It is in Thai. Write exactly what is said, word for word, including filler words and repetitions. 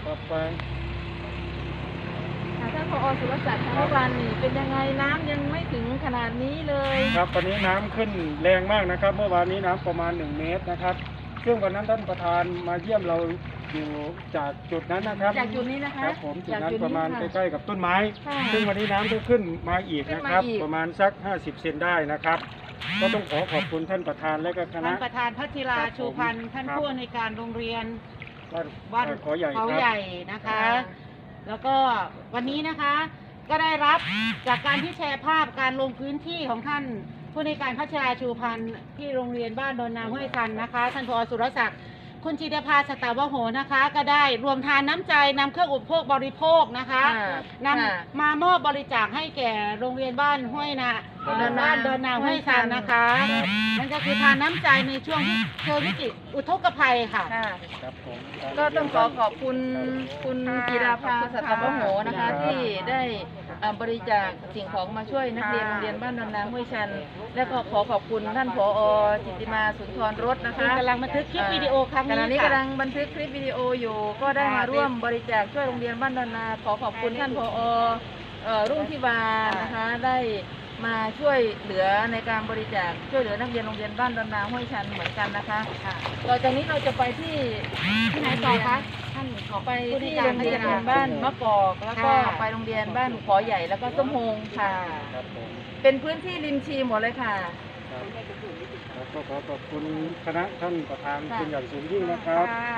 ครับไปท่านผอ.สุรศักดิ์เมื่อวานนี่เป็นยังไงน้ำยังไม่ถึงขนาดนี้เลยครับตอนนี้น้ำขึ้นแรงมากนะครับเมื่อวานนี้น้ำประมาณหนึ่งเมตรนะครับซึ่งวันนั้นท่านประธานมาเยี่ยมเราอยู่จากจุดนั้นนะครับจากจุดนี้นะคะครับผมจุดนั้นประมาณใกล้ๆกับต้นไม้ค่ะซึ่งวันนี้น้ำก็ขึ้นมาอีกนะครับขึ้นมาอีกประมาณสักห้าสิบเซนได้นะครับ ก็ต้องขอขอบคุณท่านประธานและก็คณะท่านประธานพัชิราครับผมชูพันธ์ท่านครับผู้อำนวยการโรงเรียนบ้านบ้านเอ่อเขาใหญ่เขาครับใหญ่นะคะ แล้วก็วันนี้นะคะก็ได้รับจากการที่แชร์ภาพการลงพื้นที่ของท่านผู้อำนวยการพัชราชูพันธ์ที่โรงเรียนบ้านดอนนาห้วยคันนะคะท่านผอ.สุรศักดิ์คุณจิตรภาสตาวโหนะคะ ก็ได้รวมทานน้ำใจนำเครื่องอุปโภคบริโภคนะคะค่ะนค่ะำมามอบบริจาคให้แก่โรงเรียนบ้านห้วยนาดอนนาบ้านดอนนาห้วยคันนะคะครับนั่นก็คือทานน้ำใจในช่วงที่เจอวิกฤตอุทกภัยค่ะค่ะครับผมก็ต้องขอขอบคุณคุณจิราภาสัตวโหนะคะ ที่ได้เอ่อบริจาคสิ่งของมาช่วยนักเรียนโรงเรียนบ้านดอนนาห้วยชัน และก็ขอขอบคุณท่านผอ.จิตติมาสุนทรรสนะซึ่งคะกำลังบันทึกคลิปวิดีโอครั้งขณะนี้นี้ค่ะกำลังบันทึกคลิปวิดีโออยู่ ก็ได้มาร่วมบริจาคช่วยโรงเรียนบ้านดอนนา ขอขอบคุณท่านผอ.เอ่อรุ่งทิวานะคะ ได้มาช่วยเหลือในการบริจาคช่วยเหลือนักเรียนโรงเรียนบ้านดอนนาห้วยชันเหมือนกันนะคะค่ะต่อจากนี้เราจะไปที่ที่ไหนต่อคะท่านขอไปผู้ที่กาโรงเรียนบ้านมะกอกแล้วก็ค่ะไปโรงเรียนบ้านขอใหญ่แล้วก็ส้มโฮงค่ะครับผมเป็นพื้นที่ริมชีหมดเลยค่ะครับแล้วก็ขอขอบคุณคณะท่านประธานเป็นอย่างสูงยิ่งนะครับค่ะ